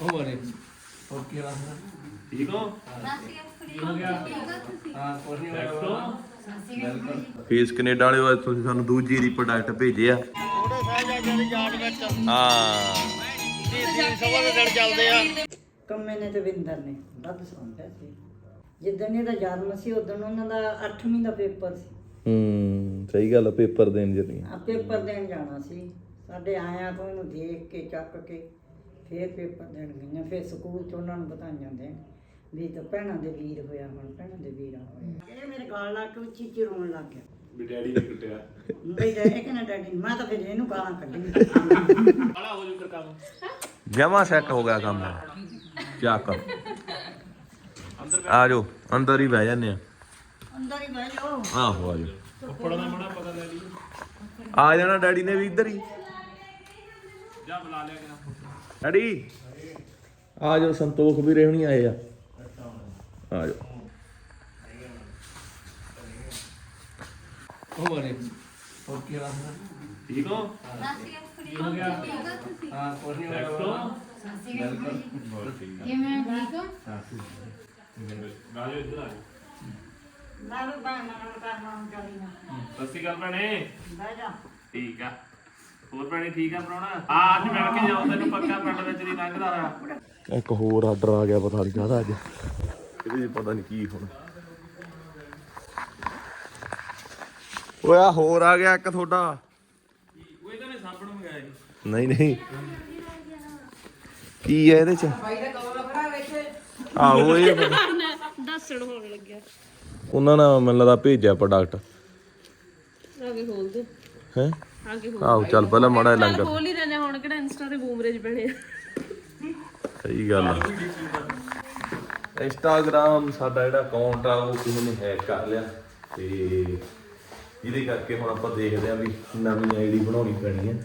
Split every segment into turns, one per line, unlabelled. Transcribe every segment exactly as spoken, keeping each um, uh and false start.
ਉਹ ਬਣੇ ਓਕੇ ਲਾ ਠੀਕ ਹੋ ਹੋ ਗਿਆ ਹਾਂ ਕੁਝ ਨਹੀਂ ਹੋਇਆ
ਫੇਸ ਕੈਨੇਡਾ ਵਾਲੇ ਵਾਸਤੇ ਤੁਸੀਂ ਸਾਨੂੰ ਦੂਜੀ ਦੀ ਪ੍ਰੋਡਕਟ ਭੇਜੇ ਆ
ਉਹਦੇ ਸਾਹਿਬਜ਼ਾਦਿਆਂ ਦੀ ਯਾਦ ਵਿੱਚ
ਹਾਂ
ਸ਼ਹੀਦੀ ਸਭਾ ਦੇ ਦਿਨ ਚੱਲਦੇ ਆ।
ਕੰਮੇ ਨੇ ਤੇ ਵਿੰਦਰ ਨੇ ਵੱਧ ਸੌਂਪਿਆ ਸੀ ਜਿੱਦਣ ਇਹਦਾ ਜਨਮ ਸੀ ਉਦੋਂ ਉਹਨਾਂ ਦਾ ਅੱਠਵੀਂ ਦਾ ਪੇਪਰ ਸੀ।
ਹੂੰ ਸਹੀ ਗੱਲ ਆ ਪੇਪਰ ਦੇਣ ਜਰੀ
ਆ ਪੇਪਰ ਦੇਣ ਜਾਣਾ ਸੀ ਸਾਡੇ ਆਇਆਂ ਤੋਂ ਇਹਨੂੰ ਦੇਖ ਕੇ ਚੱਕ ਕੇ ਫੇਰ ਪੇਪਰ ਦੇਣ ਗਈਆਂ ਫਿਰ ਸਕੂਲ 'ਚ ਉਹਨਾਂ ਨੂੰ ਬਤਾਈਆਂ ਦੇਣ ਵੀ ਤਾਂ ਭੈਣਾਂ ਦੇ ਵੀਰ ਹੋਇਆ ਹੁਣ ਭੈਣਾਂ ਦੇ ਵੀਰਾਂ ਹੋਇਆ। ਇਹ ਮੇਰੇ ਗਾਲ ਲਾ ਕੇ ਉੱਚੀ ਉੱਚੀ ਰੋਣ ਲੱਗ ਗਿਆ
ਵੀ ਡੈਡੀ ਨੇ ਕੁੱਟਿਆ
ਬਈ ਡੈਡੀ ਕਹਿੰਦਾ ਡੈਡੀ ਮੈਂ ਤਾਂ ਫਿਰ ਇਹਨੂੰ ਗਾਲਾਂ ਕੱਢੀ
ਆਲਾ ਹੋ ਜੂ ਫਿਰ ਕੰਮ
ਜਮਾ ਸੈੱਟ ਹੋ ਗਿਆ ਕੰਮ ਚੱਕ ਆ ਜਾਓ ਅੰਦਰ ਹੀ ਬਹਿ ਜਾਂਦੇ ਆ
ਅੰਦਰ ਹੀ ਬਹਿ ਜਾਓ
ਆਹੋ ਆ ਜਾਓ
ਕੱਪੜਾ ਦਾ ਮੜਾ ਪਤਾ ਲੈ ਲਈ
ਆ ਜਾਣਾ ਡੈਡੀ ਨੇ ਵੀ ਇੱਧਰ ਹੀ
ਜਾ ਬੁਲਾ ਲਿਆ ਗਿਆ
ਡੈਡੀ ਆ ਜਾਓ ਸੰਤੋਖ ਵੀ ਰਹਿਣੀ ਆਏ ਆ ਆ ਜਾਓ
ਉਹ ਬਣੇ ਓਕੇ ਲਾ ਠੀਕ ਹੋ ਹੋ ਗਿਆ ਹਾਂ ਕੁਝ ਨਹੀਂ ਹੋਇਆ
ਕਿਵੇਂ ਠੀਕ ਹੋ
ਗਾਜੋ ਇੱਧਰ ਆ
ਮੈਂ ਵੀ ਬਾਹਰ ਨਾਲ ਕਰਨਾ ਹੁਣ ਚਾਲੀ ਨਾ
ਸਤਿ ਸ਼੍ਰੀ ਅਕਾਲ ਭੈਣੇ
ਬਹਿ ਜਾ
ਠੀਕ ਆ ਹੋਰ ਭੈਣੇ ਠੀਕ ਆ ਪ੍ਰਾਹੁਣਾ ਆ ਅੱਜ ਮਿਲ ਕੇ ਜਾਓ ਤੈਨੂੰ ਪੱਕਾ ਪਿੰਡ ਵਿੱਚ ਨਹੀਂ ਲੰਘਦਾ ਹੋਇਆ
ਇੱਕ ਹੋਰ ਆਰਡਰ ਆ ਗਿਆ ਪਤਾ ਨਹੀਂ ਕਾਹਦਾ ਅੱਜ ਇਹਦੇ 'ਚ ਪਤਾ ਨਹੀਂ ਕੀ ਹੁਣ ਓਏ ਆ ਹੋਰ ਆ ਗਿਆ ਇੱਕ ਤੁਹਾਡਾ
ਉਹ ਇਹਦਾ ਨੇ ਸਾਬਣ ਮੰਗਾਇਆ ਜੀ
ਨਹੀਂ ਨਹੀਂ ਕੀ ਹੈ ਇਹਦੇ 'ਚ ਆਹੋ ਇਹ
ਦੱਸਣ ਹੋਣ ਲੱਗਿਆ
ਉਹਨਾਂ ਨੇ ਮੈਨੂੰ ਲੱਗਦਾ ਭੇਜਿਆ ਪ੍ਰੋਡਕਟ
ਆਗੇ ਖੋਲ ਦੇ
ਹੈ
ਆਗੇ
ਆਹੋ ਚੱਲ ਪਹਿਲਾਂ ਮਾੜਾ ਜਿਹਾ ਲੰਗਰ
ਖੋਲ ਹੀ ਰਹੇ ਨੇ ਹੁਣ ਕਿਹੜਾ ਇੰਸਟਾ ਤੇ ਬੂਮਰੇਜ ਬਣੇ ਆ
ਸਹੀ ਗੱਲ ਆ ਇੰਸਟਾਗ੍ਰਾਮ ਸਾਡਾ ਜਿਹੜਾ ਅਕਾਊਂਟ ਆ ਉਹ ਕਿਸੇ ਨੇ ਹੈਕ ਕਰ ਲਿਆ ਤੇ ਇਹਦੇ ਕਰਕੇ ਹੁਣ ਆਪਾਂ ਦੇਖਦੇ ਆ ਵੀ ਨਵੀਂ ਆਈਡੀ ਬਣਾਉਣੀ ਪੈਣੀ ਹੈ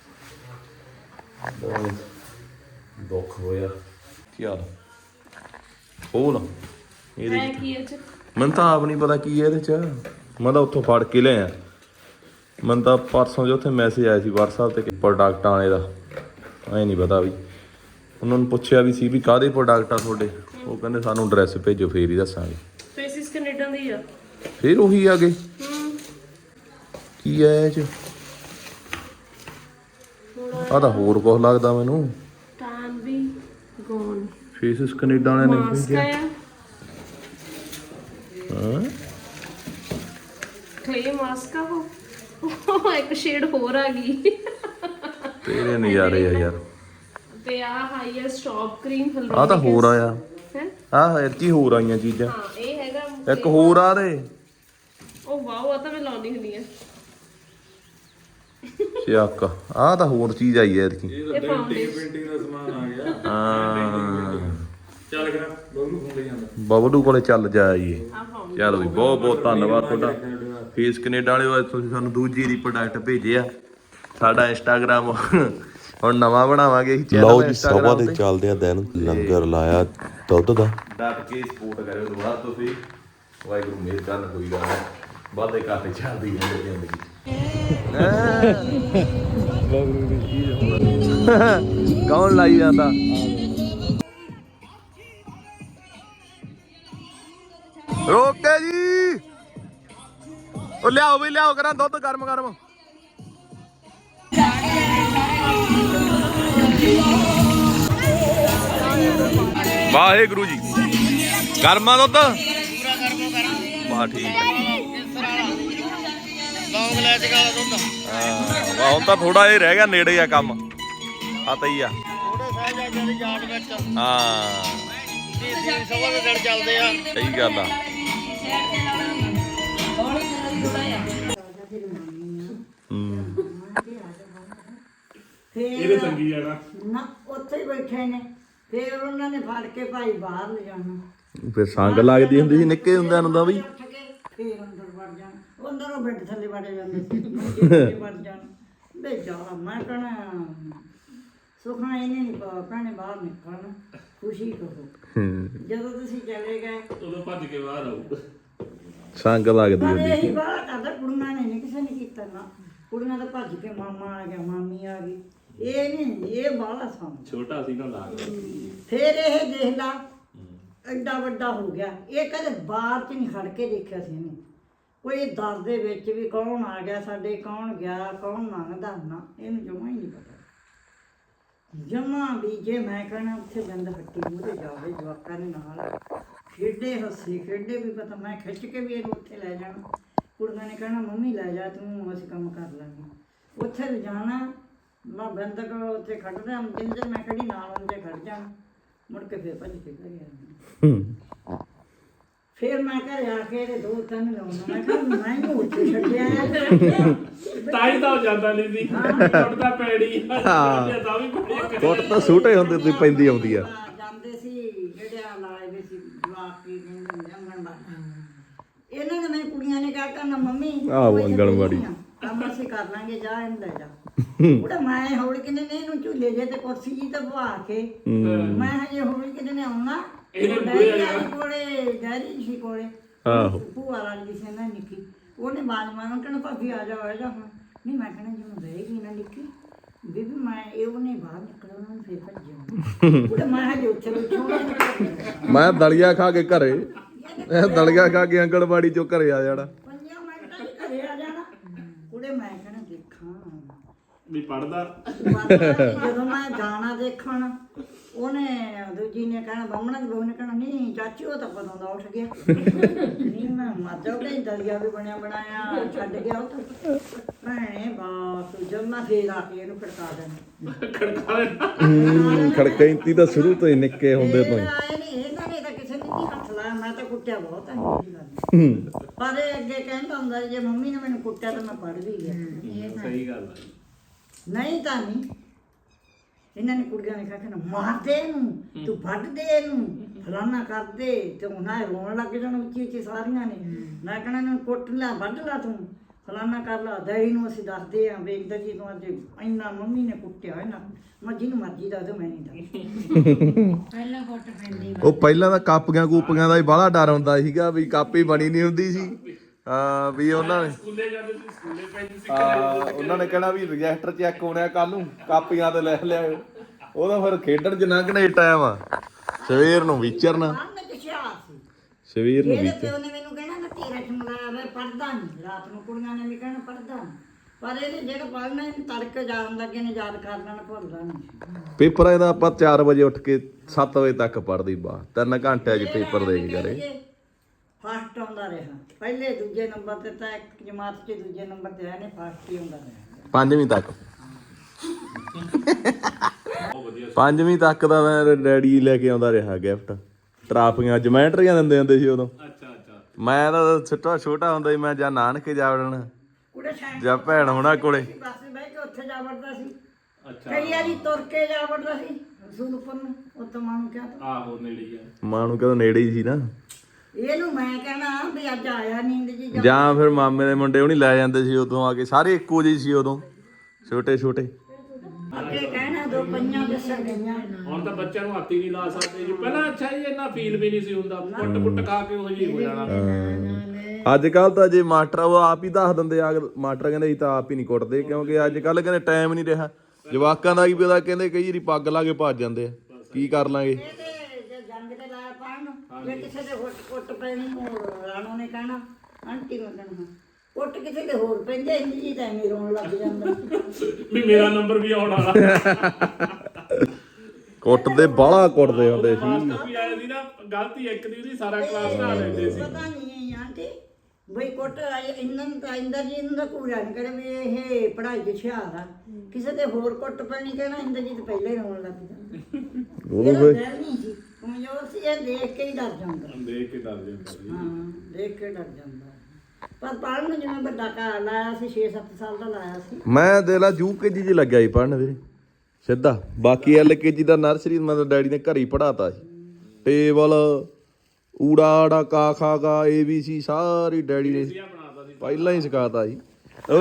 ਬਹੁਤ ਦੁੱਖ ਹੋਇਆ ਯਾਰ ਖੋਲ ਇਹਦੇ
ਐ ਕੀ ਇਹ ਚ
ਮੈਨੂੰ ਤਾਂ ਆਪ ਨਹੀਂ ਪਤਾ ਕੀ ਹੈ ਇਹਦੇ ਚ ਮੈਂ ਤਾਂ ਉੱਥੋਂ ਫੜ ਕੇ ਲਿਆ ਮੈਨੂੰ ਤਾਂ ਪਰਸੋਂ ਜੋ ਉੱਥੇ ਮੈਸੇਜ ਆਇਆ ਸੀ WhatsApp ਤੇ ਕਿ ਪ੍ਰੋਡਕਟਾਂ ਵਾਲੇ ਦਾ ਐ ਨਹੀਂ ਪਤਾ ਵੀ ਉਹਨਾਂ ਨੂੰ ਪੁੱਛਿਆ ਵੀ ਸੀ ਵੀ ਕਾਹਦੇ ਪ੍ਰੋਡਕਟ ਆ ਤੁਹਾਡੇ ਉਹ ਕਹਿੰਦੇ ਸਾਨੂੰ ਐਡਰੈਸ ਭੇਜੋ ਫੇਰ ਹੀ ਦੱਸਾਂਗੇ
ਫੇਸਿਸ ਕੈਨੇਡਾ ਦੀ ਆ
ਫੇਰ ਉਹੀ ਆ ਗਏ ਕੀ ਹੈ ਇਹ ਚ ਆ ਤਾਂ ਹੋਰ ਕੁਝ ਲੱਗਦਾ ਮੈਨੂੰ
ਟਾਨ ਵੀ ਗੋਨ
ਫੇਸਿਸ ਕੈਨੇਡਾ ਵਾਲਿਆਂ ਨੇ
ਮਾਸਕ
ਭੇਜਿਆ
ਆਇਆ
ਹਾਂ
ਕਲੇ ਮਾਸਕ ਆ ਉਹ ਇੱਕ ਸ਼ੇਡ ਹੋਰ ਆ ਗਈ
ਤੇਰੇ ਨਜ਼ਾਰੇ ਆ ਯਾਰ
ਤੇ ਆ ਹਾਈਐਸਟ ਸਟਾਪ ਕਰੀਮ ਹਲਵਾ
ਆ ਤਾਂ ਹੋਰ ਆਇਆ
ਹੈ
ਆਹ ਇਹ ਕੀ ਹੋਰ ਆਈਆਂ ਚੀਜ਼ਾਂ
ਹਾਂ ਇਹ ਹੈਗਾ
ਇੱਕ ਹੋਰ ਆ ਦੇ
ਉਹ ਵਾਓ ਆ ਤਾਂ ਮੈਂ ਲਾਉਣੀ ਹੁੰਦੀ ਆ
ਚੱਕ ਆਹ ਤਾਂ ਹੋਰ ਚੀਜ਼ ਆਈ ਐ ਇਤਕੀ
ਇਹ ਫਾਊਂਡੇਸ਼ਨ
ਪੇਂਟਿੰਗ ਦਾ ਸਮਾਨ ਆ ਗਿਆ
ਹਾਂ
ਚੱਲ ਕਰਾ ਬਬਲੂ ਫੋਨ ਜਾਂਦਾ
ਬਬਲੂ ਕੋਲੇ ਚੱਲ ਜਾਈਏ
ਆ ਫਾਊਂਡੇਸ਼ਨ
ਚਲੋ ਵੀ ਬਹੁਤ ਬਹੁਤ ਧੰਨਵਾਦ ਤੁਹਾਡਾ ਫੇਸ ਕੈਨੇਡਾ ਵਾਲੇ ਵਾਸਤੇ ਤੁਸੀਂ ਸਾਨੂੰ ਦੂਜੀ ਦੀ ਪ੍ਰੋਡਕਟ ਭੇਜੇ ਆ ਸਾਡਾ ਇੰਸਟਾਗ੍ਰਾਮ ਹੁਣ ਨਵਾਂ ਬਣਾਵਾਂਗੇ ਅਸੀਂ ਚੈਨਲ
ਲਓ ਜੀ ਸਭਾ ਦੇ ਚੱਲਦੇ ਆ ਦਿਨ ਲੰਗਰ ਲਾਇਆ ਦੁੱਧ ਦਾ
ਡਟ ਕੇ ਸਪੋਰਟ ਕਰਿਓ ਦੁਬਾਰਾ ਤੁਸੀਂ ਵਾਹਿਗੁਰੂ ਮਿਹਰ ਕਰਨ ਕੋਈ ਗੱਲ ਨਹੀਂ ਵਾਦੇ ਕਾਤੇ ਚੱਲਦੀ ਹੈ ਜ਼ਿੰਦਗੀ ਕੌਣ ਲਾਈ ਜਾਂਦਾ ਰੋਕੇ ਜੀ ਉਹ ਲਿਆਓ ਵੀ ਲਿਆਓ ਕਰਾਂ ਦੁੱਧ ਗਰਮ ਗਰਮ ਵਾਹਿਗੁਰੂ ਜੀ ਗਰਮਾ ਦੁੱਧ ਵਾਹ ਠੀਕ
ਲੌਂਗ ਲੈ ਕੇ ਗਾਲਾ ਦੁੱਧ
ਹਾਂ ਵਾਹ ਹੁਣ ਤਾਂ ਥੋੜਾ ਜਿਹਾ ਰਹਿ ਗਿਆ ਨੇੜੇ ਆ ਕੰਮ ਆ ਤਈ ਆ
ਉਹਦੇ ਸਾਹਿਬਜ਼ਾਦਿਆਂ ਦੀ ਯਾਦ ਵਿੱਚ
ਹਾਂ
ਸ਼ਹੀਦੀ ਸਭਾ ਦੇ ਦਿਨ ਚੱਲਦੇ ਆ।
ਸਹੀ ਗੱਲ ਆ
ਇਹਦੇ
ਚੰਗੀ ਜਾਣਾ
ਨਾ ਉੱਥੇ ਹੀ ਬੈਠੇ ਨੇ ਫੇਰ ਉਹਨਾਂ ਨੇ ਫੜ ਕੇ ਭਾਈ ਬਾਹਰ ਲੈ ਜਾਣਾ
ਫਿਰ ਸੰਗ ਲੱਗਦੀ ਹੁੰਦੀ ਸੀ ਨਿੱਕੇ ਹੁੰਦਿਆਂ ਨੂੰ ਤਾਂ ਬਈ
ਉੱਠ ਕੇ ਫੇਰ ਅੰਦਰ ਵੜ ਜਾਣਾ ਅੰਦਰੋਂ ਬੈੱਡ ਥੱਲੇ ਵੜੇ ਜਾਂਦੇ ਸੀ ਮੰਜੇ ਵੜ ਜਾਣ ਬੇ ਜਾ ਮੈਂ ਕਹਣਾ ਸੁਖਣਾ ਇਹਨੇ ਨਹੀਂ ਭੈਣੇ ਬਾਹਰ ਨਿਕਲਣਾ ਖੁਸ਼ੀ ਕਹੋ ਜਦੋਂ ਤੁਸੀਂ ਚਲੇ ਗਏ
ਉਦੋਂ ਭੱਜ ਕੇ ਬਾਹਰ ਆਊ
ਸੰਗ ਲੱਗਦੀ
ਪਰ
ਹੁੰਦੀ
ਇਹੀ
ਸੀ
ਬਾਹਰ ਕਰਦਾ ਕੁੜੀਆਂ ਨੇ ਨਹੀਂ ਕਿਸੇ ਨੇ ਕੀਤਾ ਨਾ ਕੁੜੀਆਂ ਤਾਂ ਭੱਜ ਕੇ ਮਾਮਾ ਆ ਗਿਆ ਮਾਮੀ ਆ ਗਈ ਇਹ ਨਹੀਂ ਇਹ ਬਾਹਲਾ ਸੌਂ
ਛੋਟਾ ਸੀ ਨਾ ਲਾਗ
ਫਿਰ ਇਹ ਦੇਖ ਲਾ ਐਡਾ ਵੱਡਾ ਹੋ ਗਿਆ ਇਹ ਕਦੇ ਬਾਹਰ ਚ ਨਹੀਂ ਖੜ ਕੇ ਦੇਖਿਆ ਸੀ ਇਹਨੇ ਕੋਈ ਦਰ ਦੇ ਵਿੱਚ ਵੀ ਕੌਣ ਆ ਗਿਆ ਸਾਡੇ ਕੌਣ ਗਿਆ ਕੌਣ ਲੰਘਦਾ ਨਾ ਇਹਨੂੰ ਜਮਾ ਹੀ ਨਹੀਂ ਪਤਾ ਜਮਾ ਵੀ ਜੇ ਮੈਂ ਕਹਿਣਾ ਉੱਥੇ ਬੰਦ ਹੱਟੀ ਮੂਹਰੇ ਜਾਵੇ ਜਵਾਕਾਂ ਦੇ ਨਾਲ ਖੇਡੇ ਹੱਸੇ ਖੇਡੇ ਵੀ ਪਤਾ ਮੈਂ ਖਿੱਚ ਕੇ ਵੀ ਇਹਨੂੰ ਉੱਥੇ ਲੈ ਜਾਣਾ ਕੁੜੀਆਂ ਨੇ ਕਹਿਣਾ ਮੰਮੀ ਲੈ ਜਾ ਤੂੰ ਅਸੀਂ ਕੰਮ ਕਰ ਲਾਂਗੇ ਉੱਥੇ ਲਿਜਾਣਾ ਮੈਂ ਬੰਦ ਕਰੋ ਉੱਥੇ ਖੜਦਾ ਜਿੰਦੇ ਮੈਂ ਖੜੀ ਨਾਲ ਉਹਦੇ ਖੜ ਜਾਣਾ ਮੁੜ ਕੇ ਫਿਰ ਭੱਜ ਕੇ ਘਰੇ ਆਉਂਦਾ ਫਿਰ ਮੈਂ ਘਰੇ ਆ ਕੇ ਇਹਦੇ ਦੋ ਤਿੰਨ ਲਾਉਣਾ ਮੈਂ ਕਿਹਾ ਮੈਂ ਹੀ ਉੱਥੇ ਛੱਡਿਆ
ਤਾਈ ਤਾਂ ਜਾਂਦਾ ਨਹੀਂ ਸੀ ਟੁੱਟਦਾ ਪੈੜੀ ਹਾਂ ਤਾਂ ਵੀ
ਕੁੱਟ ਤਾਂ ਛੋਟੇ ਹੁੰਦੇ ਤੇ ਪੈਂਦੀ ਆਉਂਦੀ ਆ
ਜਾਂਦੇ ਸੀ ਜਿਹੜੇ ਆ ਲਾਏ ਵੇ ਸੀ ਜਵਾਕ ਕੀ ਕਹਿੰਦੇ ਅੰਗਣਵਾੜੀ ਇਹਨਾਂ ਨੇ ਮੈਨੂੰ ਕੁੜੀਆਂ ਨੇ ਕਹਿ ਕਰਨਾ ਮੰਮੀ
ਆਹੋ ਅੰਗਣਵਾੜੀ
ਕੰਮ ਅਸੀਂ ਕਰ ਲਾਂਗੇ ਜਾ ਇਹਨੂੰ ਲੈ ਜਾ ਉਹਦਾ ਮੈਂ ਹੌਲੀ ਕਿਨੇ ਨੇ ਇਹਨੂੰ ਝੂਲੇ ਜੇ ਤੇ ਕੁਰਸੀ ਜੀ ਤੇ ਬਵਾ ਕੇ ਮੈਂ ਹਜੇ ਹੌਲੀ ਕਿਨੇ ਨੇ ਆਉਣਾ ਇਹਨੇ ਡੈਡੀ ਕੋਲੇ ਡੈਡੀ ਜੀ ਕੋਲੇ
ਆਹੋ
ਭੂਆ ਵਾਲੀ ਸੀ ਨਾ ਨਿੱਕੀ ਉਹਨੇ ਬਾਜ ਮਾਰਨ ਕਹਿਣਾ ਭਾਬੀ ਆ ਜਾ ਆ ਜਾ ਹੁਣ ਨਹੀਂ ਮੈਂ ਕਹਿਣਾ ਜਿਵੇਂ ਰਹੇਗੀ ਨਾ ਨਿੱਕੀ ਬੀਬੀ ਮੈਂ ਇਹ ਉਹਨੇ ਬਾਹਰ ਨਿਕਲਣਾ ਉਹਨੂੰ ਫੇਰ ਭੱਜਿਆ ਉਹਦਾ ਮੈਂ ਹਜੇ ਉੱਥੇ ਬੈਠਾ
ਮੈਂ ਦਲੀਆ ਖਾ ਕੇ ਘਰੇ ਇਹ ਦਲੀਆ ਖਾ ਕੇ ਅੰਗਣਵਾੜੀ ਚੋਂ ਘਰੇ ਆ ਜਾਣਾ
ਪੰਜਾਂ ਮਿੰਟਾਂ ਚ ਘਰੇ ਆ ਜਾਣਾ ਕੁੜੇ ਮੈਂ ਕਹਿਣਾ ਦੇਖਾਂ
ਵੀ ਪੜਦਾ
ਜਦੋਂ ਮੈਂ ਗਾਣਾ ਦੇਖਣ ਉਹਨੇ ਦੂਜੀ ਨੇ ਕਹਿਣਾ ਬਾਹਮਣਾ ਦੀ ਬਹੂ ਨੇ ਕਹਿਣਾ ਨਹੀਂ ਚਾਚੀ ਉਹ ਤਾਂ ਕਦੋਂ ਦਾ ਉੱਠ ਗਿਆ ਨਹੀਂ ਮੈਂ ਮਰ ਜਾ ਉਹਦੇ ਦਲੀਆ ਵੀ ਬਣਿਆ ਬਣਾਇਆ ਛੱਡ ਗਿਆ ਉਹ ਤਾਂ ਭੈਣੇ ਬਾਸ ਜਦ ਮੈਂ ਫੇਰ ਆ ਕੇ ਇਹਨੂੰ ਖੜਕਾ ਦੇਣਾ
ਖੜਕਾ ਦੇਣਾ
ਖੜਕੈਂਤੀ ਤਾਂ ਸ਼ੁਰੂ ਤੋਂ ਹੀ ਨਿੱਕੇ ਹੁੰਦੇ ਤੋਂ ਹੀ
ਆਏ ਨਹੀਂ ਇਹਨਾਂ ਨੇ ਤਾਂ ਕਿਸੇ ਨੇ ਨਹੀਂ ਹੱਥ ਲਾਇਆ ਮੈਂ ਤਾਂ ਕੁੱਟਿਆ ਬਹੁਤ ਹੈ ਪਰ ਇਹ ਅੱਗੇ ਕਹਿੰਦਾ ਹੁੰਦਾ ਜੇ ਮੰਮੀ ਨੇ ਮੈਨੂੰ ਕੁੱਟਿਆ ਤਾਂ ਮੈਂ ਪੜ ਵੀ ਗਿਆ
ਸਹੀ ਗੱਲ ਹੈ
ਨਹੀਂ ਤਾਂ ਨਹੀਂ ਇਹਨਾਂ ਨੇ ਕੁੜੀਆਂ ਨੇ ਕਹਿਣਾ ਮਾਰ ਦੇ ਇਹਨੂੰ ਤੂੰ ਵੱਢ ਦੇ ਇਹਨੂੰ ਫਲਾਨਾ ਕਰ ਦੇ ਤੇ ਉਹਨਾਂ ਰੋਣ ਲੱਗ ਜਾਣਾ ਉੱਚੀ ਉੱਚੀ ਸਾਰੀਆਂ ਨੇ ਮੈਂ ਕਹਿਣਾ ਇਹਨੂੰ ਕੁੱਟ ਲੈ ਵੱਢ ਲਾ ਤੂੰ ਫਲਾਨਾ ਕਰ ਲਾ ਡੈਡੀ ਨੂੰ ਅਸੀਂ ਦੱਸਦੇ ਆਂ ਵੀ ਇੰਦਰ ਜੀ ਨੂੰ ਅੱਜ ਇੰਨਾ ਮੰਮੀ ਨੇ ਕੁੱਟਿਆ ਇਹਨਾਂ ਮੈਂ ਜਿਹਨੂੰ ਮਰਜ਼ੀ ਦੱਸ ਦਿਓ ਮੈਂ ਨਹੀਂ ਦੱਸ ਪਹਿਲਾਂ ਕੁੱਟ ਪੈਂਦੀ
ਉਹ ਪਹਿਲਾਂ ਤਾਂ ਕਾਪੀਆਂ ਕੂਪੀਆਂ ਦਾ ਹੀ ਬਾਹਲਾ ਡਰ ਹੁੰਦਾ ਸੀਗਾ ਵੀ ਕਾਪੀ ਬਣੀ ਨਹੀਂ ਹੁੰਦੀ ਸੀ ਹਾਂ ਵੀ ਉਹਨਾਂ ਨੇ
ਸਕੂਲੇ ਜਾਂਦੇ ਸੀ ਸਕੂਲੇ ਪੈਂਦੀ ਸੀ
ਹਾਂ ਉਹਨਾਂ ਨੇ ਕਹਿਣਾ ਵੀ ਰਜਿਸਟਰ ਚੈੱਕ ਹੋਣਾ ਕੱਲ ਨੂੰ ਕਾਪੀਆਂ ਤੇ ਲਿਖ ਲਿਆਓ ਉਹਦਾ ਫਿਰ ਖੇਡਣ ਚ ਲੰਘਣਾ ਹੀ ਟਾਈਮ ਆ ਸਵੇਰ ਨੂੰ ਵਿਚਰਨਾ ਸਵੇਰ ਨੂੰ
ਮੇਰੇ ਪਿਓ ਨੇ ਮੈਨੂੰ ਕਹਿਣਾ ਨਾ ਤੇਰਾ ਚੰਗਾ ਵੇ ਪੜਦਾ ਨਹੀਂ ਰਾਤ ਨੂੰ ਕੁੜੀਆਂ ਨੇ ਵੀ ਕਹਿਣਾ ਪੜਦਾ ਨਹੀਂ ਪਰ ਇਹਨੇ ਜਿਹੜਾ ਪੜਨਾ ਇਹਨੂੰ ਤੜਕੇ ਜਾਣ ਲੱਗੇ ਨੇ ਯਾਦ ਕਰ ਲੈਣਾ ਭੁੱਲਦਾ ਨਹੀਂ
ਪੇਪਰ ਇਹਦਾ ਆਪਾਂ ਚਾਰ ਵਜੇ ਉੱਠ ਕੇ ਸੱਤ ਵਜੇ ਤੱਕ ਪੜ੍ਹਦੀ ਬਾ ਤਿੰਨ ਘੰਟੇ ਚ ਪੇਪਰ ਦੇ ਕੇ ਕਰੇ
ਫਸਟ ਆਉਂਦਾ ਰਿਹਾ ਪਹਿਲੇ ਦੂਜੇ ਨੰਬਰ ਤੇ ਤਾਂ ਇੱਕ ਜਮਾਤ 'ਚ ਦੂਜੇ ਨੰਬਰ ਤੇ ਆਇਆ ਨੇ ਫਸਟ ਹੀ ਆਉਂਦਾ ਰਿਹਾ
ਪੰਜਵੀਂ ਤੱਕ ਪੰਜਵੀਂ ਤੱਕ ਦਾ ਮੈਂ ਡੈਡੀ ਲੈ ਕੇ ਆਉਂਦਾ ਰਿਹਾ ਗਿਫਟ ਟਰਾਫੀਆਂ ਜਮੈਂਟਰੀਆਂ ਦਿੰਦੇ ਹੁੰਦੇ ਸੀ ਉਦੋਂ
ਅੱਛਾ ਅੱਛਾ
ਮੈਂ ਤਾਂ ਛੋਟਾ ਛੋਟਾ ਹੁੰਦਾ ਸੀ ਮੈਂ ਜਾਂ ਨਾਨਕੇ ਜਾ ਵੜਨਾ
ਕੁੜੇ ਸਾਈਂ
ਜਾਂ ਭੈਣ ਹੋਣਾ ਕੋਲੇ
ਬੱਸ ਬਹਿ ਕੇ ਉੱਥੇ ਜਾ ਵੜਦਾ ਸੀ
ਅੱਛਾ
ਕਈ ਵਾਰੀ ਤੁਰ ਕੇ ਜਾ ਵੜਦਾ ਸੀ ਰਸੂਲਪੁਰ ਨੂੰ ਉੱਥੇ ਮਾਂ ਨੂੰ ਕਿਹਾ ਤਾਂ
ਆਹੋ ਨੇੜੇ ਹੀ ਆ
ਮਾਂ ਨੂੰ ਕਦੋਂ ਨੇੜੇ ਹੀ ਸੀ ਨਾ
ਇਹਨੂੰ ਮੈਂ ਕਹਿਣਾ ਵੀ ਅੱਜ ਆਇਆ ਨੀਂਦ ਜੀ ਜਾ
ਜਾਂ ਫਿਰ ਮਾਮੇ ਦੇ ਮੁੰਡੇ ਉਹ ਨਹੀਂ ਲੈ ਜਾਂਦੇ ਸੀ ਉਦੋਂ ਆ ਕੇ ਸਾਰੇ ਇੱਕੋ ਜਿਹੇ ਸੀ ਉਦੋਂ ਛੋਟੇ ਛੋਟੇ
ਅੱਗੇ ਕਹਿਣਾ ਦੋ ਪੰਜਾਂ ਦੱਸਣ ਗਈਆਂ
ਹੁਣ ਤਾਂ ਬੱਚਿਆਂ ਨੂੰ ਹੱਥ ਹੀ ਨਹੀਂ ਲਾ ਸਕਦੇ ਜੀ ਪਹਿਲਾਂ ਅੱਛਾ ਜੀ ਇੰਨਾ ਫੀਲ ਵੀ ਨਹੀਂ ਸੀ ਹੁੰਦਾ ਕੁੱਟ ਕੁੱਟ ਖਾ ਕੇ ਉਹ ਜੀ ਹੋ ਜਾਣਾ
ਅੱਜ ਕੱਲ ਤਾਂ ਜੇ ਮਾਸਟਰ ਉਹ ਆਪ ਹੀ ਦੱਸ ਦਿੰਦੇ ਆ ਮਾਸਟਰ ਕਹਿੰਦੇ ਅਸੀਂ ਤਾਂ ਆਪ ਹੀ ਨਹੀਂ ਕੁੱਟਦੇ ਕਿਉਂਕਿ ਅੱਜ ਕੱਲ ਕਹਿੰਦੇ ਟਾਈਮ ਨਹੀਂ ਰਿਹਾ ਜਵਾਕਾਂ ਦਾ ਕੀ ਪਤਾ ਕਹਿੰਦੇ ਕਈ ਵਾਰੀ ਪੱਗ ਲਾ ਕੇ ਭੱਜ ਜਾਂਦੇ ਆ ਕੀ ਕਰ ਲਾਂਗੇ
ਜੇ ਜੰਗ ਦੇ ਲਾਇਆ ਪਾਣ ਜੇ ਕਿਸੇ ਦੇ ਹੁੱਟ ਕੁੱਟ ਪੈਣੀ ਰਾਣੋ ਨੇ ਕਹਿਣਾ ਆਂਟੀ ਨੂੰ ਕਹਿਣਾ ਕੁੱਟ ਕਿਸੇ ਦੇ ਹੋਰ ਪੈਂਦੇ ਇੰਨੀ ਜੀ ਤਾਂ ਐਵੇਂ ਰੋਣ ਲੱਗ ਜਾਂਦਾ
ਵੀ ਮੇਰਾ ਨੰਬਰ ਵੀ ਆਉਣ ਵਾਲਾ
ਕੁੱਟਦੇ ਬਾਹਲਾ ਕੁੱਟਦੇ ਹੁੰਦੇ ਸੀ
ਮਾਸਟਰ ਵੀ ਆਏ ਸੀ ਨਾ ਗਲਤੀ ਇੱਕ ਦੀ ਉਹਦੀ ਸਾਰਾ ਕਲਾਸ ਢਾ ਲੈਂਦੇ ਸੀ
ਪਤਾ ਨਹੀਂ ਆਂਟੀ ਬਈ ਕੁੱਟ ਆਏ ਇੰਨਾਂ ਤਾਂ ਇੰਦਰ ਜੀ ਨੂੰ ਤਾਂ ਪੂਰਾ ਨਹੀਂ ਕਰੇ ਵੀ ਇਹ ਪੜ੍ਹਾਈ ਦੇ ਹੁਸ਼ਿਆਰ ਆ ਕਿਸੇ ਦੇ ਹੋਰ ਕੁੱਟ ਪੈਣੀ ਕਹਿਣਾ ਇੰਦਰ ਜੀ ਤਾਂ ਪਹਿਲਾਂ ਹੀ ਰੋਣ ਲੱਗ ਜਾਂਦਾ
ਉਦੋਂ
ਇਹ
ਫਿਰ
ਡਰ ਨਹੀਂ ਸੀ ਕਮਜ਼ੋਰ ਸੀ ਇਹ ਦੇਖ ਕੇ ਹੀ ਡਰ ਜਾਂਦਾ
ਦੇਖ ਕੇ ਡਰ ਜਾਂਦਾ ਸੀ
ਹਾਂ ਦੇਖ ਕੇ ਡਰ ਜਾਂਦਾ ਪਰ ਪੜ੍ਹਨ ਨੂੰ ਜਿਵੇਂ ਵੱਡਾ ਘਰ ਲਾਇਆ ਸੀ ਛੇ ਸੱਤ ਸਾਲ ਦਾ ਲਾਇਆ ਸੀ
ਮੈਂ ਦੇ ਲਾ ਯੂ ਕੇ ਜੀ ਚ ਲੱਗਿਆ ਸੀ ਪੜ੍ਹਨ ਵੀਰੇ ਸਿੱਧਾ ਬਾਕੀ ਐਲ ਕੇ ਜੀ ਦਾ ਨਰਸਰੀ ਮਤਲਬ ਡੈਡੀ ਨੇ ਘਰ ਹੀ ਪੜਾਤਾ ਸੀ ਟੇਬਲ ਊੜਾ ਆੜਾ ਕਾ ਖਾ ਗਾ A B C sorry daddy ਨੇ ਪਹਿਲਾਂ ਹੀ ਸਿਖਾਤਾ ਸੀ ਉਹ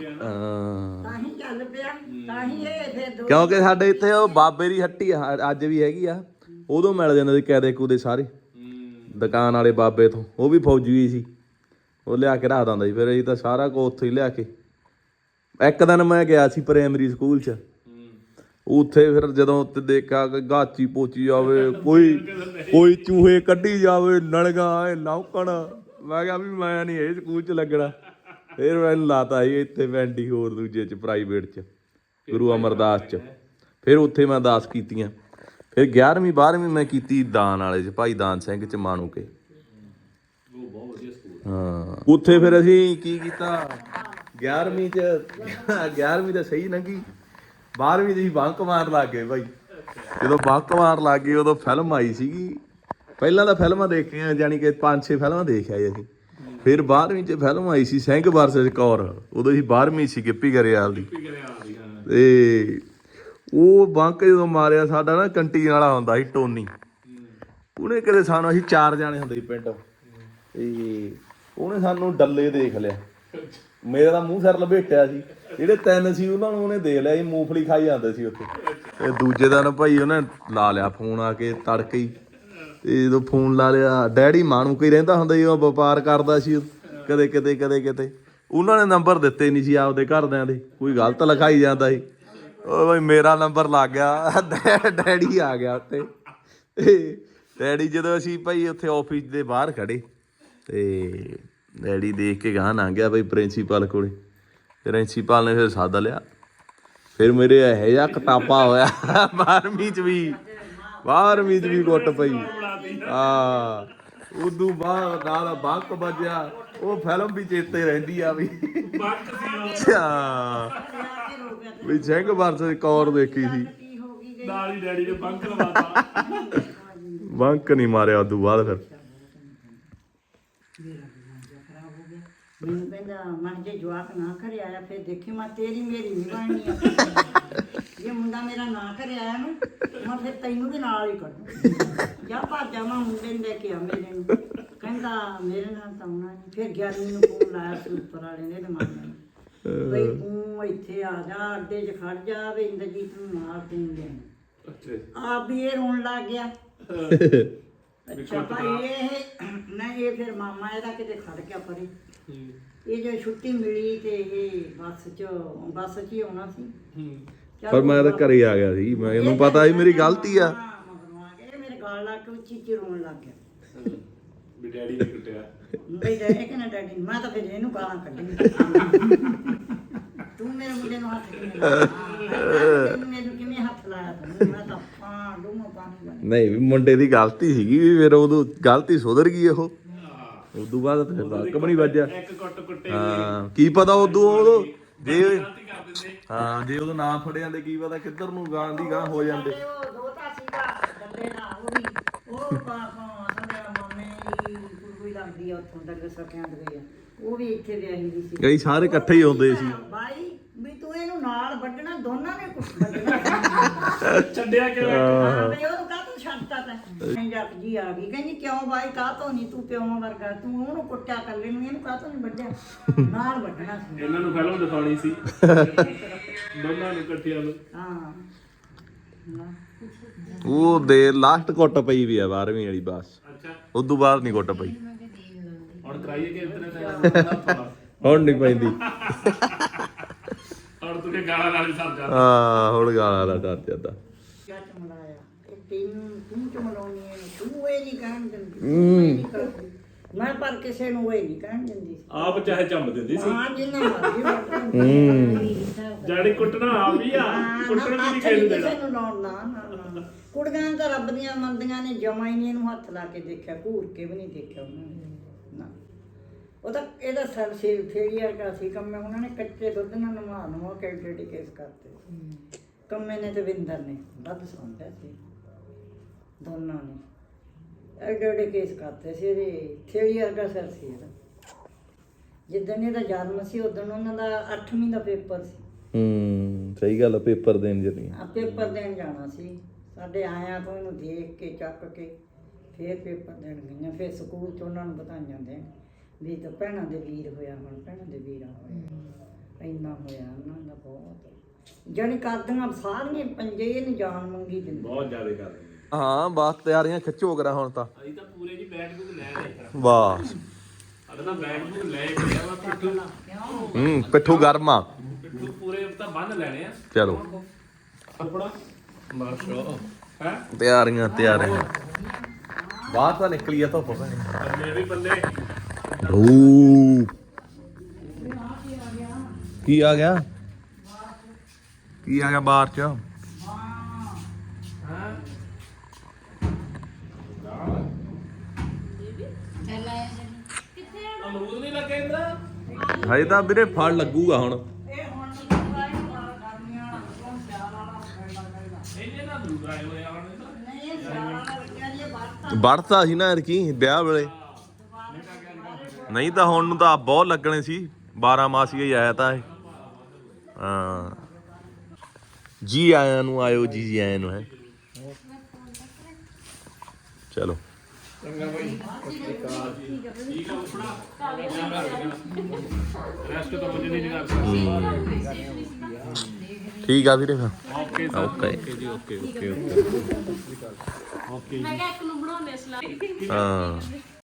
ਹਾਂ
ਤਾਂ ਹੀ ਚੱਲ ਪਿਆ ਤਾਂ ਹੀ ਇਹ ਫਿਰ ਦੋ
ਕਿਉਂਕਿ ਸਾਡੇ ਇੱਥੇ ਉਹ ਬਾਬੇ ਦੀ ਹੱਟੀ ਆ, ਅੱਜ ਵੀ ਹੈਗੀ ਆ ਉਦੋਂ ਮਿਲ ਜਾਂਦੇ ਸੀ ਕੈਦੇ ਕੂਦੇ ਸਾਰੇ ਦੁਕਾਨ ਵਾਲੇ ਬਾਬੇ ਤੋਂ ਉਹ ਵੀ ਫੌਜੀ ਸੀ ਉਹ ਲਿਆ ਕੇ ਰੱਖ ਦਿੰਦਾ ਸੀ ਫਿਰ ਅਸੀਂ ਤਾਂ ਸਾਰਾ ਕੁਝ ਉੱਥੇ ਹੀ ਲਿਆ ਕੇ ਇੱਕ ਦਿਨ ਮੈਂ ਗਿਆ ਸੀ ਪ੍ਰਾਇਮਰੀ ਸਕੂਲ 'ਚ ਉੱਥੇ ਫਿਰ ਜਦੋਂ ਉੱਤੇ ਦੇਖਿਆ ਕਿ ਗਾਚੀ ਪੋਚੀ ਜਾਵੇ ਕੋਈ ਕੋਈ ਚੂਹੇ ਕੱਢੀ ਜਾਵੇ ਨਲਗਾ ਐ ਲੌਕਣ ਮੈਂ ਕਿਹਾ ਵੀ ਮੈਂ ਨਹੀਂ ਇਹ ਸਕੂਲ ਚ ਲੱਗਣਾ। ਫਿਰ ਮੈਨੂੰ ਲਾਤਾ ਸੀ ਇੱਥੇ ਵੈਂਡੀ ਹੋਰ ਦੂਜੇ ਚ ਪ੍ਰਾਈਵੇਟ ਚ ਗੁਰੂ ਅਮਰਦਾਸ ਚ। ਫਿਰ ਉੱਥੇ ਮੈਂ ਅਰਦਾਸ ਕੀਤੀਆਂ। ਫਿਰ ਗਿਆਰਵੀਂ ਬਾਰ੍ਹਵੀਂ ਮੈਂ ਕੀਤੀ ਦਾਨ ਵਾਲੇ ਚ ਭਾਈ ਦਾਨ ਸਿੰਘ ਚ ਮਾਣੂ ਕੇ। ਹਾਂ ਉੱਥੇ ਫਿਰ ਅਸੀਂ ਕੀ ਕੀਤਾ ਗਿਆਰਵੀਂ ਚ ਗਿਆਰਵੀਂ ਤਾਂ ਸਹੀ ਲੰਘੀ ਬਾਰ੍ਹਵੀਂ ਦੀ ਬੰਕ ਮਾਰ ਲੱਗ ਗਏ ਭਾਈ। ਜਦੋਂ ਬੰਕ ਮਾਰ ਲੱਗ ਗਏ ਉਦੋਂ ਫਿਲਮ ਆਈ ਸੀਗੀ। ਪਹਿਲਾਂ ਤਾਂ ਫਿਲਮਾਂ ਦੇਖੀਆਂ ਜਾਣੀ ਕਿ ਪੰਜ ਛੇ ਫਿਲਮਾਂ ਦੇਖ ਆਏ ਅਸੀਂ। ਫਿਰ ਬਾਰ੍ਹਵੀਂ ਚ ਫਿਲਮ ਆਈ ਸੀ ਸਿੰਘ ਵਰਸਸ ਕੌਰ। ਉਦੋਂ ਅਸੀਂ ਬਾਰ੍ਹਵੀਂ ਸੀ ਗਿੱਪੀ ਗਰੇਵਾਲ ਦੀ। ਤੇ ਉਹ ਬੰਕ ਜਦੋਂ ਮਾਰਿਆ ਸਾਡਾ ਨਾ ਕੰਟੀਨ ਵਾਲਾ ਹੁੰਦਾ ਸੀ ਟੋਨੀ। ਉਹਨੇ ਕਦੇ ਸਾਨੂੰ ਅਸੀਂ ਚਾਰ ਜਾਣੇ ਹੁੰਦੇ ਸੀ ਪਿੰਡ ਤੇ ਉਹਨੇ ਸਾਨੂੰ ਡੱਲੇ ਦੇਖ ਲਿਆ। ਮੇਰਾ ਤਾਂ ਮੂੰਹ ਸਿਰ ਲਪੇਟਿਆ ਸੀ। ਜਿਹੜੇ ਤਿੰਨ ਸੀ ਉਹਨਾਂ ਨੂੰ ਉਹਨੇ ਦੇਖ ਲਿਆ ਸੀ ਮੂੰਗਫਲੀ ਖਾਈ ਜਾਂਦੇ ਸੀ ਉੱਥੇ। ਤੇ ਦੂਜੇ ਦਿਨ ਭਾਈ ਉਹਨੇ ਲਾ ਲਿਆ ਫੋਨ ਆ ਕੇ ਤੜਕੇ ਹੀ। ਤੇ ਜਦੋਂ ਫੋਨ ਲਾ ਲਿਆ ਡੈਡੀ ਮਾਣੂ ਕੋਈ ਰਹਿੰਦਾ ਹੁੰਦਾ ਸੀ ਉਹ ਵਪਾਰ ਕਰਦਾ ਸੀ ਕਦੇ ਕਿਤੇ ਕਦੇ ਕਿਤੇ। ਉਹਨਾਂ ਨੇ ਨੰਬਰ ਦਿੱਤੇ ਨਹੀਂ ਸੀ ਆਪਦੇ ਘਰਦਿਆਂ ਦੇ ਕੋਈ ਗਲਤ ਲਿਖਾਈ ਜਾਂਦਾ ਸੀ। ਉਹ ਭਾਈ ਮੇਰਾ ਨੰਬਰ ਲੱਗ ਗਿਆ ਡੈਡੀ ਆ ਗਿਆ ਉੱਥੇ। ਡੈਡੀ ਜਦੋਂ ਅਸੀਂ ਭਾਈ ਉੱਥੇ ਆਫਿਸ ਦੇ ਬਾਹਰ ਖੜੇ ਤੇ ਡੈਡੀ ਦੇਖ ਕੇ ਗਾਹ ਲੰਘ ਗਿਆ ਭਾਈ ਪ੍ਰਿੰਸੀਪਲ ਕੋਲੇ। ਪ੍ਰਿੰਸੀਪਲ ਨੇ ਫਿਰ ਸੱਦ ਲਿਆ। ਫਿਰ ਮੇਰੇ ਇਹੋ ਜਿਹਾ ਕਟਾਪਾ ਹੋਇਆ ਬਾਰ੍ਹਵੀਂ ਚ ਵੀ ਬਾਰ੍ਹਵੀਂ ਚ ਵੀ ਕੁੱਟ ਪਈ। ਹਾਂ ਉਦੋਂ ਬਾਅਦ ਨਾਲ ਬੰਕ ਵੱਜਿਆ। ਉਹ ਫਿਲਮ ਵੀ ਚੇਤੇ ਰਹਿੰਦੀ ਆ ਵੀ ਵੀ ਸਿੰਘ ਵਰਸਸ ਕੌਰ ਦੇਖੀ ਸੀ।
ਨਾਲ ਹੀ ਡੈਡੀ ਨੇ ਬੰਕ ਲਵਾਤਾ।
ਬੰਕ ਨਹੀਂ ਮਾਰਿਆ ਉਦੋਂ ਬਾਅਦ ਫਿਰ।
ਮੈਨੂੰ ਕਹਿੰਦਾ ਮਨ ਜੇ ਜਵਾਕ ਨਾ ਘਰੇ ਆਇਆ ਫਿਰ ਦੇਖੀ ਮੈਂ ਤੇਰੀ ਮੇਰੀ ਨਹੀਂ ਬਣਨੀ ਆ। ਜੇ ਮੁੰਡਾ ਮੇਰਾ ਨਾ ਘਰੇ ਆਇਆ ਨਾ ਮੈਂ ਫਿਰ ਤੈਨੂੰ ਵੀ ਨਾਲ ਹੀ ਕੱਢੂ। ਜਾ ਭੱਜ ਮੈਂ ਮੁੰਡੇ ਨੂੰ ਲੈ ਕੇ ਆ ਮੇਰੇ ਨੂੰ। ਕਹਿੰਦਾ ਮੇਰੇ ਨਾਲ ਤਾਂ ਆਉਣਾ ਨਹੀਂ। ਫਿਰ ਗਿਆਰਵੀਂ ਨੂੰ ਫੋਨ ਲਾਇਆ ਸੀ ਉੱਪਰ ਵਾਲੇ ਨੇ ਮਾਮੇ ਨੂੰ ਬਈ ਤੂੰ ਇੱਥੇ ਆ ਜਾ ਅੱਡੇ 'ਚ ਖੜ ਜਾ ਵੀ ਇੰਦਰਜੀਤ ਨੂੰ ਨਾਲ ਤੈਨੂੰ ਦੇਣਾ। ਆਪ ਵੀ ਇਹ ਰੋਣ ਲੱਗ ਗਿਆ। ਅੱਛਾ ਭਾਈ ਇਹ ਨਾ ਇਹ ਫਿਰ ਮਾਮਾ ਇਹਦਾ ਕਿਤੇ ਖੜ ਗਿਆ ਪਰੇ। ਇਹ ਜੇ ਛੁੱਟੀ ਮਿਲੀ ਤੇ ਇਹ ਬੱਸ 'ਚ ਬੱਸ 'ਚ ਹੀ ਆਉਣਾ ਸੀ।
ਪਰ ਮੈਂ ਤਾਂ ਘਰੇ ਆ ਗਿਆ ਸੀ। ਮੈਨੂੰ ਪਤਾ ਸੀ ਮੇਰੀ ਗਲਤੀ ਆ।
ਇਹ ਮੇਰੇ ਗਾਲ ਲਾ ਕੇ ਉੱਚੀ ਉੱਚੀ ਰੋਣ ਲੱਗ ਗਿਆ
ਵੀ ਡੈਡੀ ਨੇ ਕੁੱਟਿਆ।
ਬਈ ਡੈਡੀ ਕਹਿੰਦਾ ਡੈਡੀ ਮੈਂ ਤਾਂ ਫਿਰ ਇਹਨੂੰ ਗਾਲਾਂ ਕੱਢੀਆਂ। ਤੂੰ ਮੇਰੇ ਮੁੰਡੇ ਨੂੰ ਹੱਥ ਕਿਵੇਂ ਲਾਇਆ ਮੈਨੂੰ ਕਿਵੇਂ ਹੱਥ ਲਾਇਆ ਤੂੰ। ਮੈਂ ਤਾਂ ਪਾਂ ਡੂਮਾ ਪਾਣੀ ਬਣ।
ਨਹੀਂ ਵੀ ਮੁੰਡੇ ਦੀ ਗਲਤੀ ਸੀਗੀ ਵੀ ਫਿਰ ਉਦੋਂ ਗਲਤੀ ਸੁਧਰ ਗਈ ਉਹ। ਉਦੋਂ ਬਾਅਦ ਫਿਰ ਬੰਕ ਵੀ ਨਹੀਂ ਵੱਜਿਆ।
ਇੱਕ ਕੁੱਟ ਕੁੱਟੇ
ਹਾਂ ਕੀ ਪਤਾ ਉਦੋਂ ਉਦੋਂ ਜੇ ਹਾਂ ਜੇ ਉਦੋਂ ਨਾ ਫੜੇ ਜਾਂਦੇ ਕੀ ਪਤਾ ਕਿੱਧਰ ਨੂੰ ਗਾਂ ਦੀ ਗਾਂ ਹੋ ਜਾਂਦੇ।
ਉਹ ਦੋਤਾ ਸੀਗਾ ਡੱਲੇ ਨਾਲ ਉਹ ਵੀ ਉਹ ਪਾਪਾ ਸਾਡਾ ਮਾਮੇ ਦੀ ਕੁੜੀ ਲੱਗਦੀ ਆ ਉੱਥੋਂ ਤੱਕ ਸਕਿਆਂ ਦੇ। ਉਹ ਵੀ ਇੱਥੇ ਵਿਆਹੀ ਦੀ ਸੀ।
ਕਈ ਸਾਰੇ ਇਕੱਠੇ ਹੀ ਹੁੰਦੇ ਸੀ।
ਬਾਈ ਵੀ ਤੂੰ ਇਹਨੂੰ ਨਾਲ ਵੱਢਣਾ ਦੋਨਾਂ ਨੇ ਕੁਛ ਵੱਢਣਾ
ਛੱਡਿਆ ਕਿਵੇਂ।
ਹਾਂ ਬਈ ਉਹਨੂੰ ਕਾਹਤੋਂ ਛੱਡਤਾ ਤੈਂ। ਜੱਟ ਜੀ ਆ ਗਈ ਕਹਿੰਦੀ ਕਿਉਂ ਬਾਈ ਕਾਹਤੋਂ ਨਹੀਂ ਤੂੰ ਪਿਓ ਵਰਗਾ ਤੂੰ ਉਹਨੂੰ ਕੁੱਟਿਆ ਕੱਲੇ ਨੂੰ ਇਹਨੂੰ ਕਾਹਤੋਂ ਨਹੀਂ ਵੱਢਿਆ ਨਾਲ ਵੱਢਣਾ ਸੀ।
ਇਹਨਾਂ ਨੂੰ ਫਿਲਮ ਦਿਖਾਉਣੀ ਸੀ ਦੋਨਾਂ ਨੂੰ ਇਕੱਠਿਆਂ ਨੂੰ।
ਹਾਂ
ਉਹ ਦੇ ਲਾਸਟ ਕੁੱਟ ਪਈ ਵੀ ਆ ਬਾਰ੍ਹਵੀਂ ਵਾਲੀ ਬਸ।
ਅੱਛਾ
ਉਦੋਂ ਬਾਅਦ ਨਹੀਂ ਕੁੱਟ ਪਈ।
ਹੁਣ ਕਰਾਈਏ ਕਿ ਇਤਨੇ
ਹੁਣ ਨਹੀਂ ਪੈਂਦੀ।
ਹੁਣ ਤੂੰ ਕਿ ਗਾਲਾਂ ਨਾਲ ਹੀ ਸਭ ਜਾ।
ਹਾਂ ਹੁਣ ਗਾਲਾਂ ਦਾ ਡਰ ਜਾਂਦਾ।
ਜੱਟ ਮਲਾਇਆ ਇਹ ਤੈਨੂੰ ਤੂੰ ਚ ਮਲਾਉਣੀ ਹੈ ਤੂੰ ਇਹ ਨਹੀਂ ਕਹਿਣ ਦਿੰਦੀ। ਮੈਂ ਪਰ ਕਿਸੇ ਨੂੰ ਇਹ ਨਹੀਂ ਕਹਿਣ ਦਿੰਦੀ।
ਆਪ ਚਾਹੇ ਚੰਬ ਦਿੰਦੀ ਸੀ।
ਹਾਂ ਜਿੰਨਾ ਮਰਜ਼ੀ
ਜਾੜੀ ਕੁੱਟਣਾ ਆਪ ਹੀ ਆ ਕੁੱਟਣ ਵੀ ਨਹੀਂ ਕਿਸੇ ਨੂੰ ਦੇਣਾ।
ਕਿਸੇ ਨੂੰ ਲਾਉਣ ਨਾ ਨਾ ਕੁੜੀਆਂ ਤਾਂ ਰੱਬ ਦੀਆਂ ਮੰਦੀਆਂ ਨੇ ਜਮਾ ਹੀ ਨਹੀਂ ਇਹਨੂੰ ਹੱਥ ਲਾ ਕੇ ਦੇਖਿਆ ਘੂਰ ਕੇ ਵੀ ਨਹੀਂ ਦੇਖਿਆ ਉਹਨਾਂ ਨੇ ਨਾ। ਉਹ ਤਾਂ ਇਹਦਾ ਸਰ ਸਿਰ ਫੇਰੀ ਵਰਗਾ ਸੀ ਕੰਮੇ। ਉਹਨਾਂ ਨੇ ਕੱਚੇ ਦੁੱਧ ਨਾਲ ਨਵਾ ਨਵਾ ਕੇ ਏਡੇ ਕੇਸ ਕਰਤੇ। ਕੰਮੇ ਨੇ ਤੇ ਵਿੰਦਰ ਨੇ ਵੱਧ ਸੁਣਦਾ ਸੀ ਦੋਨਾਂ ਨੇ ਏਡੇ ਏਡੇ ਕੇਸ ਕਰਤੇ ਸੀ। ਇਹਦੇ ਫੇਰੀ ਵਰਗਾ ਸਰ ਸੀ ਇਹਦਾ। ਜਿੱਦਣ ਇਹਦਾ ਜਨਮ ਸੀ ਉਦੋਂ ਉਹਨਾਂ ਦਾ ਅੱਠਵੀਂ ਦਾ ਪੇਪਰ ਸੀ।
ਹੂੰ ਸਹੀ ਗੱਲ ਆ ਪੇਪਰ ਦੇਣ ਜਣੀ
ਆ ਪੇਪਰ ਦੇਣ ਜਾਣਾ ਸੀ। ਸਾਡੇ ਆਇਆਂ ਤੋਂ ਇਹਨੂੰ ਦੇਖ ਕੇ ਚੱਕ ਕੇ ਫੇਰ ਪੇਪਰ ਦੇਣ ਗਈਆਂ। ਫਿਰ ਸਕੂਲ 'ਚ ਉਹਨਾਂ ਨੂੰ ਬਤਾਈਆਂ ਦੇਣ ਵੀ ਤਾਂ ਭੈਣਾਂ ਦੇ ਵੀਰ ਹੋਇਆ ਹੁਣ ਭੈਣਾਂ ਦੇ ਵੀਰਾਂ ਹੋਇਆ ਇੰਨਾ ਹੋਇਆ ਉਹਨਾਂ ਦਾ ਬਹੁਤ ਜਾਣੀ ਕਰਦੀਆਂ ਸਾਰੀਆਂ ਪੰਜੇ ਇਹਨੂੰ ਜਾਨ ਮੰਗੀ ਦਿੰਦੇ
ਬਹੁਤ ਜ਼ਿਆਦਾ ਕਰਦੇ।
ਹਾਂ ਬਸ ਤਿਆਰੀਆਂ ਖਿੱਚੋ ਕਰਾ ਹੁਣ ਤਾਂ।
ਅਸੀਂ ਤਾਂ ਪੂਰੇ ਜੀ ਬੈਗ ਬੁੱਕ ਲੈ ਲਏ।
ਵਾਹ
ਸਾਡਾ ਤਾਂ ਬੈਗ ਬੁੱਕ ਲੈ ਕੇ ਗਿਆ ਵਾ ਪਿੱਠੂ।
ਹੂੰ ਪਿੱਠੂ ਗਰਮਾ
ਪਿੱਠੂ ਪੂਰੇ ਤਾਂ ਬੰਨ ਲੈਣੇ ਆ।
ਚਲੋ
ਮਾਸ਼ਾ ਹੈ
ਤਿਆਰੀਆਂ ਤਿਆਰੀਆਂ ਬਾਹਰ ਤਾਂ ਨਿਕਲੀ ਆ ਧੁੱਪ ਭੈਣੇ
ਬੱਲੇ ਵੀ ਬੱਲੇ
ਧੂਪ ਕੀ ਆ ਗਿਆ ਕੀ ਆ ਗਿਆ ਬਾਹਰ ਚ
ਅਮਰੂਦ ਨਹੀਂ ਲੱਗੇ ਇੰਦਰ
ਹਜੇ ਤਾਂ ਵੀਰੇ ਫਲ ਲੱਗੂਗਾ ਹੁਣ
ਇਹ ਹੁਣ ਲੱਗੂਗਾ ਇਹ ਵਾਲਾ ਗਰਮੀਆਂ ਵਾਲਾ ਕੋਣ ਸਿਆਲ ਵਾਲਾ ਫਾਇਦਾ ਕਰੇਗਾ
ਇਹਨੇ ਨਾ ਅਮਰੂਦ ਆਏ ਹੋਏ ਆਣ ਤਾਂ
ਨਹੀਂ ਇਹ ਸਿਆਲ ਵਾਲਾ ਲੱਗਿਆ ਜੀ ਬਾਤ
ਵੜਤਾ ਸੀ ਨਾ ਐਰਕੀ ਵਿਆਹ ਵੇਲੇ ਨਹੀਂ ਤਾਂ ਹੁਣ ਨੂੰ ਤਾਂ ਬਹੁਤ ਲੱਗਣੇ ਸੀ ਬਾਰਾਂ ਮਾਸੀ ਹੀ ਆਇਆ ਤਾਂ ਇਹ ਹਾਂ ਜੀ ਆਇਆਂ ਨੂੰ ਆਇਓ ਜੀ ਜੀ ਆਇਆਂ ਨੂੰ ਹੈ ਚਲੋ
ਚੰਗਾ ਬਾਈ ਠੀਕ ਆ ਉਪੜਾ ਰੈਸਟ ਤਾਂ ਮੁਝੇ ਨਹੀਂ ਕਰ ਸਕਦਾ
ਠੀਕ ਆ ਵੀਰੇ ਫਿਰ
ਓਕੇ
ਓਕੇ
ਜੀ ਓਕੇ ਓਕੇ ਓਕੇ
ਮੈਂ ਕਿਹਾ ਇੱਕ ਨੂੰ ਬਣਾਉਣੇ ਸਲਾਹ
ਹਾਂ